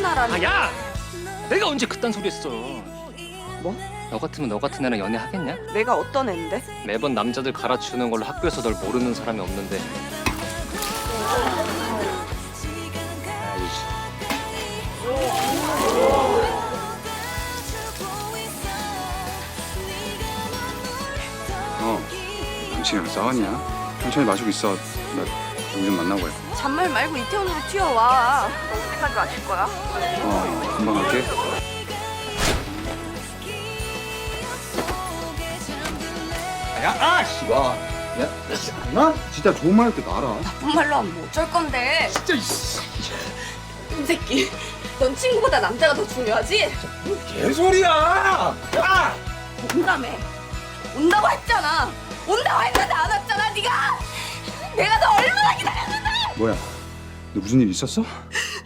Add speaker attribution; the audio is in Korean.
Speaker 1: 하라니.
Speaker 2: 야! 내가 언제 그딴 소리 했어?
Speaker 1: 뭐?
Speaker 2: 너 같으면 너 같은 애랑 연애하겠냐?
Speaker 1: 내가 어떤 애인데?
Speaker 2: 매번 남자들 갈아치우는 걸로 학교에서 널 모르는 사람이 없는데.
Speaker 3: 남친이랑 싸웠냐? 천천히 마시고 있어. 나 누구 좀 만나고 해.
Speaker 1: 잔말 말고 이태원으로 튀어와. 언제까지 마실 거야?
Speaker 3: 금방 갈게. 나 진짜 좋은 말 할 때 알아.
Speaker 1: 나쁜 말로 하면 뭐 어쩔 건데?
Speaker 3: 진짜
Speaker 1: 이 새끼, 넌 친구보다 남자가 더 중요하지?
Speaker 3: 개소리야.
Speaker 1: 온다며. 온다고 했잖아. 온다고 했는데 안 왔잖아, 네가. 내가 너 얼마나 기다렸는데.
Speaker 3: 뭐야? 너 무슨 일 있었어?